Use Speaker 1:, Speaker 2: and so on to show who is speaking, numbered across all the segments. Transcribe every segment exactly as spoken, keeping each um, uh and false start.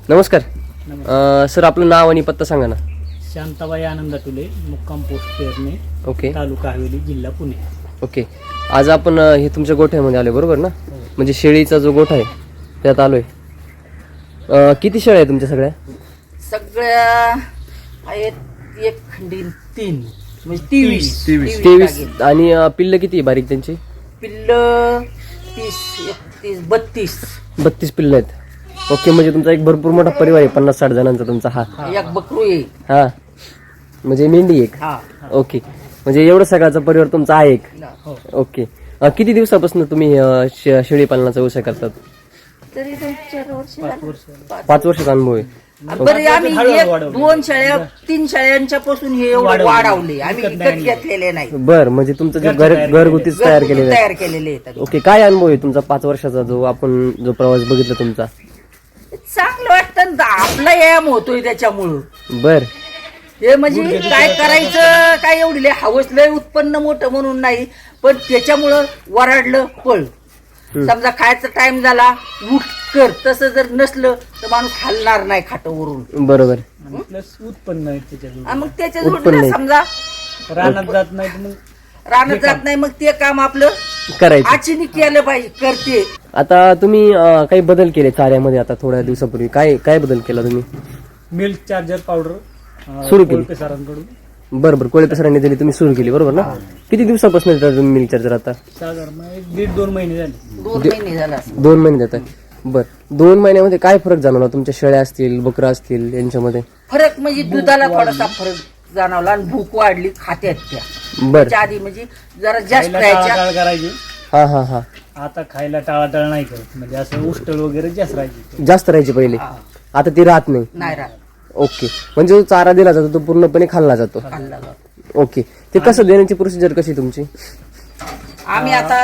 Speaker 1: नमस्कार. सर आपलं नाव आणि पत्ता सांगा ना.
Speaker 2: शांताबाई आनंद तुले, मुक्काम पोस्ट पेरणे,
Speaker 1: ओके
Speaker 2: तालुका हवेली, जिल्हा पुणे.
Speaker 1: ओके. आज आपण अ, हे तुमच्या गोठ्यामध्ये आलोय बरोबर ना? म्हणजे शेळीचा जो गोठा आहे त्यात आलोय. अ, किती शेळ्या आहे तुमच्या सगळ्या?
Speaker 3: सगळ्या आहेत एक खंडी तीन म्हणजे तेवीस
Speaker 1: तेवीस. आणि अ, पिल्ल किती आहे बारीक त्यांची?
Speaker 3: पिल्ल तीस एकतीस बत्तीस
Speaker 1: बत्तीस पिल्ल आहेत. ओके. म्हणजे तुमचा एक भरपूर मोठा परिवार आहे, पन्नास साठ जणांचा तुमचा. हा
Speaker 3: एक बकरू आहे.
Speaker 1: हा म्हणजे मेंढी एक.
Speaker 3: हा
Speaker 1: ओके. म्हणजे एवढं सगळ्याचा परिवार तुमचा आहे एक.
Speaker 2: हो.
Speaker 1: ओके. अ, किती दिवसापासून तुम्ही अ, शे- शेळी पालनाचा व्यवसाय करतात?
Speaker 3: तरी दोन चार वर्ष झाली.
Speaker 1: पाच वर्षाचा अनुभव आहे.
Speaker 3: बरे आम्ही
Speaker 2: हळूहळू
Speaker 3: एक
Speaker 2: वाढवले.
Speaker 3: दोन शेळ्या तीन शेळ्यांच्या पासून हे एवढं
Speaker 2: वाढवले.
Speaker 3: वाढवले आम्ही
Speaker 2: विकत
Speaker 3: विकत
Speaker 2: नाही
Speaker 3: घेतलेले नाही.
Speaker 1: बर. म्हणजे तुमचं जे घर घरगुतीच तयार
Speaker 3: घरगुती
Speaker 1: केलेलं आहे.
Speaker 3: तयार केलेले आहेत.
Speaker 1: ओके. काय अनुभव आहे तुमचा पाच वर्षाचा जो आपण जो प्रवास बघितला तुमचा?
Speaker 3: चांगलं वाटतं ना, आपला व्यायाम होतोय त्याच्यामुळं.
Speaker 1: बर.
Speaker 3: हे म्हणजे काय करायचं काय एवढी लय हवस लय उत्पन्न मोठं म्हणून नाही, पण त्याच्यामुळं वराडलं पळ. समजा खायचा टाइम झाला उठ कर, तसं जर नसलं तर माणूस हलणार नाही खाटावरून.
Speaker 1: बरोबर.
Speaker 2: आणि प्लस उत्पन्न आहे त्याच्यातून.
Speaker 3: आणि मग त्याच्या
Speaker 1: उत्पन्न
Speaker 3: जोडीला
Speaker 1: आहे.
Speaker 3: समजा
Speaker 2: रानात जात नाही तर मग
Speaker 3: रानात जात नाही, मग ते काम आपलं
Speaker 1: करायचं.
Speaker 3: आचिनी केलं पाहिजे करते.
Speaker 1: आता तुम्ही अ, काही बदल केले चाऱ्यामध्ये आता थोड्या दिवसापूर्वी? काय काय बदल केला तुम्ही?
Speaker 2: मिल्क चार्जर पावडर
Speaker 1: सुरू केली.
Speaker 2: कोळपे सरांकडून
Speaker 1: बरं बरं. कोळपे सरांनी दिली, तुम्ही सुरू केली बरोबर ना? किती दिवसापासून देता तुम्ही मिल्क चार्जर आता?
Speaker 2: साधारण एक दीड दोन महिने झाले.
Speaker 3: दोन महिने झाला असं.
Speaker 1: दोन महिने देताय. बर. दोन महिन्यामध्ये काय फरक जाणवला तुमच्या शेळ्या असतील बकरा असतील यांच्यामध्ये?
Speaker 3: फरक म्हणजे दुधाला थोडासा फरक जाणवला आणि भूक वाढली खात्यात त्या.
Speaker 1: बर.
Speaker 3: त्याच्या आधी म्हणजे जरा जास्त
Speaker 2: खायला
Speaker 3: राहायच्या.
Speaker 2: टाळाटाळ करायची.
Speaker 1: हा हा हा.
Speaker 2: आता खायला टाळाटाळ नाही करत, म्हणजे असं उष्टल वगैरे जास्त राहायची.
Speaker 1: जास्त राहायची पहिले,
Speaker 3: हा,
Speaker 1: आता ती राहत नाही.
Speaker 3: नाही राहत.
Speaker 1: ओके. म्हणजे जो चारा दिला जातो तो पूर्णपणे खाल्ला जातो.
Speaker 3: खाल्ला जातो.
Speaker 1: ओके. ते कसं देण्याची प्रोसिजर कशी तुमची?
Speaker 3: आम्ही आता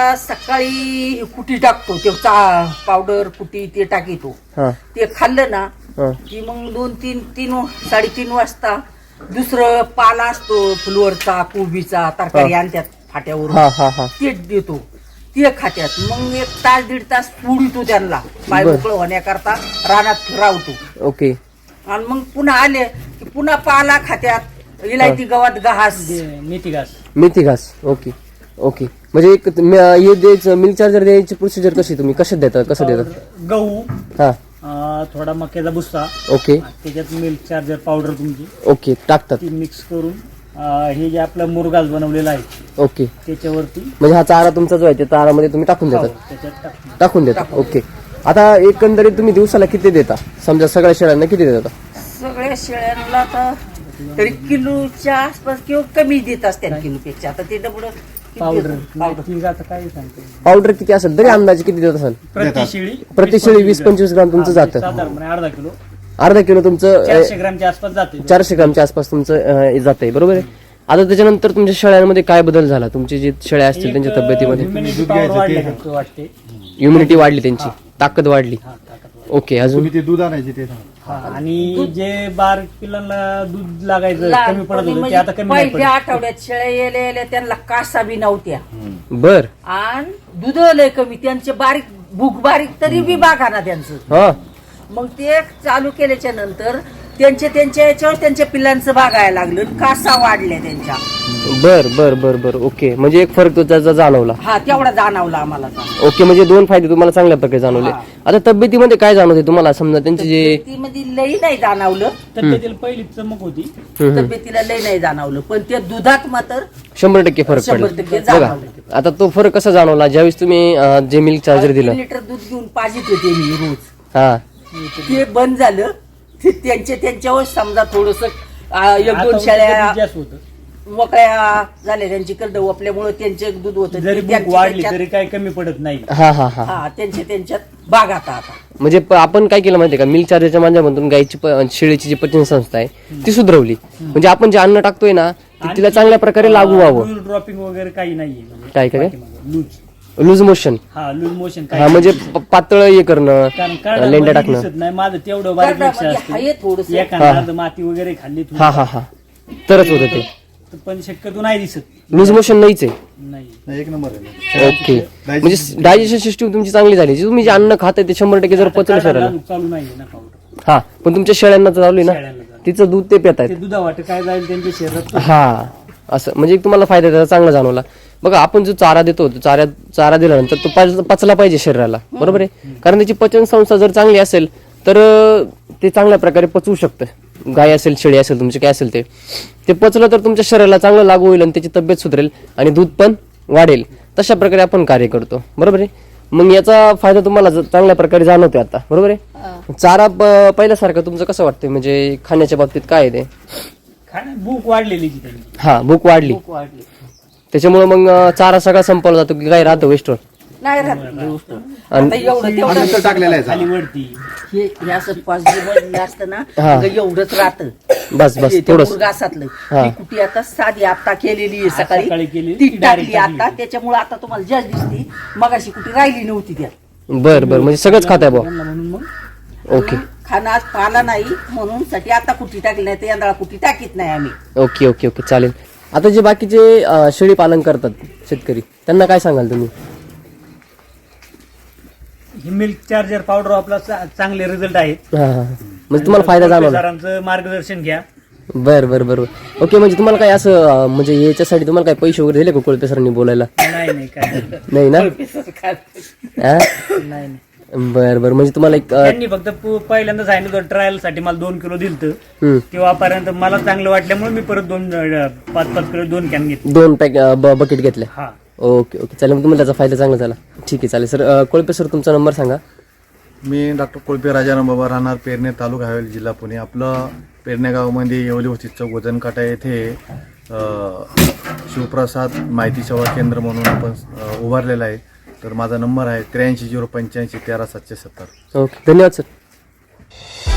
Speaker 3: सकाळी कुटी टाकतो, ते पावडर कुटी ते टाकीतो.
Speaker 1: हा
Speaker 3: ते खाल्लं ना
Speaker 1: हा.
Speaker 3: की मग दोन तीन तीन साडेतीन वाजता दुसरं पाला असतो फुलवरचा कोबीचा तरकारी आणत्यात फाट्यावरून,
Speaker 1: हा हा हा.
Speaker 3: ते देतो. ते खात्यात. मग एक तास दीड तास पुडितो त्यांना पाय
Speaker 1: बरं.
Speaker 3: मोकळं होण्याकरता रानात रावतो.
Speaker 1: ओके.
Speaker 3: आणि मग पुन्हा आले की पुन्हा पाला खात्यात, इलायती गवत घास.
Speaker 2: ते मेथी घास.
Speaker 1: मेथी घास. Okay okay. म्हणजे एक म- हे द्यायचं मिल्क चार्जर द्यायची प्रोसिजर कशी तुम्ही कशात देता कसं देता?
Speaker 2: पावडर, गहू,
Speaker 1: हा.
Speaker 2: अं, थोडा मक्याचा भुस्सा,
Speaker 1: ओके
Speaker 2: त्याच्यात मिल्क चार्जर पावडर तुमची
Speaker 1: ओके टाकतात.
Speaker 2: ती मिक्स करून अं, हे जे आपलं मुरगास बनवलेला आहे
Speaker 1: ओके.
Speaker 2: त्याच्यावरती
Speaker 1: म्हणजे हा चारा तुमचा जो आहे ते चारामध्ये तुम्ही टाकून
Speaker 2: हो,
Speaker 1: देतात?
Speaker 2: त्याच्यात टाकून.
Speaker 1: टाकून देतात. ओके. आता एकंदरीत तुम्ही दिवसाला किती देता समजा सगळ्या शेळ्यांना किती देता?
Speaker 3: सगळ्या शेळ्यांना तर तरी किलोच्या आसपास किंवा कमी देत असतात किलोपेक्षा. आता ते डबड
Speaker 2: पावडर नाही, ती आता काय सांगते,
Speaker 1: पावडर किती असेल तरी अंदाजे किती देत असाल?
Speaker 2: प्रति शेळी
Speaker 1: प्रति शेळी वीस पंचवीस ग्राम तुमचं
Speaker 2: हा,
Speaker 1: जातं.
Speaker 2: साधारणपणे अर्धा किलो
Speaker 1: अर्धा किलो तुमचं
Speaker 2: चारशे ग्रामच्या आसपास जाते.
Speaker 1: चारशे ग्रामच्या आसपास तुमचं जात आहे बरोबर आहे. आता त्याच्यानंतर तुमच्या शेळ्यांमध्ये काय बदल झाला? तुमची जी शेळ्या असतील त्यांच्या तब्येतीमध्ये?
Speaker 2: Immunity power वाढल्यासारखं वाटते.
Speaker 1: इम्युनिटी वाढली, त्यांची ताकद वाढली.
Speaker 2: हा, ताकद वाढली.
Speaker 1: ओके. अजून
Speaker 4: ते दूध आणायचे ते सांगा.
Speaker 2: हा, आणि जे बारीक पिल्लांना दूध लागायचं कमी पडत होतं ते
Speaker 3: म्हणजे
Speaker 2: आता कमी नाही
Speaker 3: पहिल्या
Speaker 2: पडत.
Speaker 3: आठवड्यात शेळ्या येल्या येल्या त्यांना कासा बी नव्हत्या
Speaker 1: बर.
Speaker 3: आणि दूध लय कमी, त्यांचे बारीक भूक बारीक तरी बी बागा ना त्यांचं.
Speaker 1: हा
Speaker 3: मग ते चालू केल्याच्या नंतर त्यांचे त्यांच्या याच्यावर त्यांच्या पिल्लांचं बागायला लागलं, कासा वाढल्या त्यांच्या.
Speaker 1: बर बर बर बर. ओके. म्हणजे एक फरक तो त्याचा जाणवला.
Speaker 3: हा तेवढा जाणवला आम्हाला.
Speaker 1: ओके. म्हणजे दोन फायदे तुम्हाला चांगल्या प्रकारे जाणवले.
Speaker 3: हा.
Speaker 1: आता तब्येतीमध्ये काय जाणवते तुम्हाला समजा त्यांचे जे
Speaker 3: तब्येतीमध्ये लई नाही जाणवलं,
Speaker 2: तब्येतीला पहिली चमक होती.
Speaker 1: हम्म, हम्म.
Speaker 3: तब्येतीला लई नाही जाणवलं, पण त्या दुधात मात्र
Speaker 1: शंभर टक्के फरक
Speaker 3: शंभर
Speaker 1: पडला
Speaker 3: टक्के
Speaker 1: बघा.
Speaker 3: जाणवलं.
Speaker 1: आता तो फरक कसा जाणवला ज्यावेळेस तुम्ही अं, जे मिल्क चार्जर
Speaker 3: तीन
Speaker 1: दिलं?
Speaker 3: लिटर दूध घेऊन पाजित होते मी रोज.
Speaker 1: हा
Speaker 3: ते बंद झालं. ते त्यांच्या त्यांच्यावर समजा थोडस एक
Speaker 2: आता
Speaker 3: दोन शेळ्या
Speaker 2: दूध जास्त होतं.
Speaker 3: मोकळ्या झाल्या, त्यांची करड आपल्यामुळे त्यांचे दूध होतं.
Speaker 2: जरी
Speaker 3: ते त्यांच्या-
Speaker 2: भूक वाढली
Speaker 3: त्यांच्यात-
Speaker 2: तरी काही कमी पडत नाही.
Speaker 1: हा हा हा.
Speaker 3: हा त्यांच्या त्यांच्यात बागात आता.
Speaker 1: म्हणजे प- आपण काय केलं माहितीये का, मिल्क चार्जरच्या माध्यमातून गायची प- शेळीची जी पचन संस्था आहे ती सुधरवली. म्हणजे आपण जे अन्न टाकतोय ना ते तिला चांगल्या प्रकारे लागू व्हावं.
Speaker 2: ड्रॉपिंग वगैरे काही नाहीये.
Speaker 1: काय काय?
Speaker 2: Loose
Speaker 1: loose motion.
Speaker 2: हा लूज मोशन
Speaker 1: हा म्हणजे प- पातळ हे करणं,
Speaker 2: कारण
Speaker 1: लेंड्या
Speaker 2: करडामध्ये
Speaker 1: टाकणं.
Speaker 2: दिसत नाही माझं तेवढं बारीक लक्ष
Speaker 3: करडामध्ये आहे
Speaker 2: असतं.
Speaker 3: थोडंसं.
Speaker 2: एखादा अर्ध माती वगैरे खाल्ली थोडी.
Speaker 1: हा हा हा. तरच होतं ते.
Speaker 2: पण शक्यतो नाही दिसत.
Speaker 1: लूज मोशन नाहीच आहे.
Speaker 2: नाही.
Speaker 4: नाही, एक नंबर आहे.
Speaker 1: ओके. म्हणजे डायजेशन सिस्टीम तुमची चांगली झाली. जे तुम्ही जे अन्न खाताय ते शंभर टक्के जर पचलं
Speaker 2: आता
Speaker 1: शरीराला.
Speaker 2: चालू- चालू नाहीये ना पावडर.
Speaker 1: हा पण तुमच्या शेळ्यांना तर चालू आहे ना,
Speaker 2: शेळ्यांना चालू.
Speaker 1: तिचं दूध ते पित आहेत.
Speaker 2: ते दुधावाट काय जाईल त्यांच्या शरीरात
Speaker 1: हा असं म्हणजे तुम्हाला फायदा त्याचा चांगला जाणवला. बघा आपण जो चारा देतो तो चारा चारा दिल्यानंतर तो पच- पचला पाहिजे शरीराला, बरोबर आहे. कारण त्याची पचन संस्था जर चांगली असेल तर अं, ते चांगल्या प्रकारे पचवू शकतं. गाय असेल शेळी असेल तुमचे काय असेल ते ते पचलं तर तुमच्या शरीराला चांगलं लागू होईल आणि त्याची तब्येत सुधरेल आणि दूध पण वाढेल. तशा प्रकारे आपण कार्य करतो, बरोबर आहे. मग याचा फायदा तुम्हाला ज- चांगल्या प्रकारे जाणवतोय आता, बरोबर आहे. चारा प- पहिल्यासारखं तुमचं कसं वाटतंय म्हणजे खाण्याच्या बाबतीत काय आहे ते?
Speaker 2: खाण्या भूक वाढलेली की त्यांची
Speaker 1: हा भूक वाढली
Speaker 3: भूक वाढली
Speaker 1: त्याच्यामुळे मग अं, चारा सगळा संपवला जातो की काय राहतं वेस्टवर
Speaker 3: नाही राहत गोष्ट.
Speaker 1: आणि-
Speaker 3: आता एवढं तेवढं
Speaker 4: अनंत टाकलेला आहे
Speaker 2: खाली
Speaker 4: चारा.
Speaker 2: वरती
Speaker 3: हे हे असं पाच दिवस असतं ना
Speaker 1: हा.
Speaker 3: मग एवढंच राहतं.
Speaker 1: बस बस
Speaker 3: ते
Speaker 1: थोडस
Speaker 3: मुरघासातलं
Speaker 1: हा.
Speaker 3: ती कुटी आता साधी आता केलेली आहे
Speaker 2: आज सकाळी
Speaker 3: सकाळी
Speaker 2: केली,
Speaker 3: ती
Speaker 2: ती
Speaker 3: टाकली
Speaker 2: direct
Speaker 3: आता
Speaker 2: टाकली.
Speaker 3: त्याच्यामुळे आता तुम्हाला जास्त दिसती. मग अशी कुटी राहिली नव्हती त्यात.
Speaker 1: बर बर म्हणजे सगळंच खाताय भाऊ.
Speaker 2: म्हणून मग
Speaker 1: ओके
Speaker 3: खाना पाला नाही म्हणून साठी आता कुटी टाकली नाही तर यंदा कुटी टाकीत नाही आम्ही.
Speaker 1: ओके ओके ओके चालेल. आता जे बाकीचे अं, शेळी पालन करतात शेतकरी त्यांना काय सांगाल तुम्ही?
Speaker 2: ही मिल्क चार्जर पावडर आपला चा- चांगले रिझल्ट आहेत.
Speaker 1: हा हा हा. म्हणजे तुम्हाला फायदा जाणवला?
Speaker 2: सरांचं मार्गदर्शन घ्या.
Speaker 1: बर बर बर ओके. म्हणजे तुम्हाला काय असं अं, म्हणजे याच्यासाठी तुम्हाला काय पैसे वगैरे दिले का कोळपे सरांनी बोलायला?
Speaker 2: नाही नाही काय
Speaker 1: नाही ना? हा?
Speaker 2: नाही नाही.
Speaker 1: बर बर म्हणजे तुम्हाला एक अं,
Speaker 2: त्यांनी फक्त पु- पहिल्यांदा सांगितलं होतं ट्रायल साठी मला दोन किलो दिलत.
Speaker 1: हम्म,
Speaker 2: तेव्हापर्यंत मला चांगलं वाटल्यामुळे मी परत दोन अं, पाच पाच किलो दोन कॅन घेतले.
Speaker 1: दोन पॅक बकेट घेतले.
Speaker 2: हा
Speaker 1: ओके ओके चालेल. मग तुम्हाला त्याचा फायदा चांगला झाला. ठीक आहे चालेल. सर कोळपे सर तुमचा नंबर सांगा.
Speaker 4: मी डॉक्टर कोळपे राजाराम बाबा, राहणार पेरणे, तालुका हवेली, जिल्हा पुणे. आपलं पेरणे गावामध्ये येवली होती चौक वजनकाटा येथे अ, शिवप्रसाद माहिती सेवा केंद्र म्हणून आपण अ, उभारलेलं आहे. तर माझा नंबर आहे त्र्याऐंशी झिरो पंच्याऐंशी तेरा सातशे सत्तर.
Speaker 1: ओके धन्यवाद सर.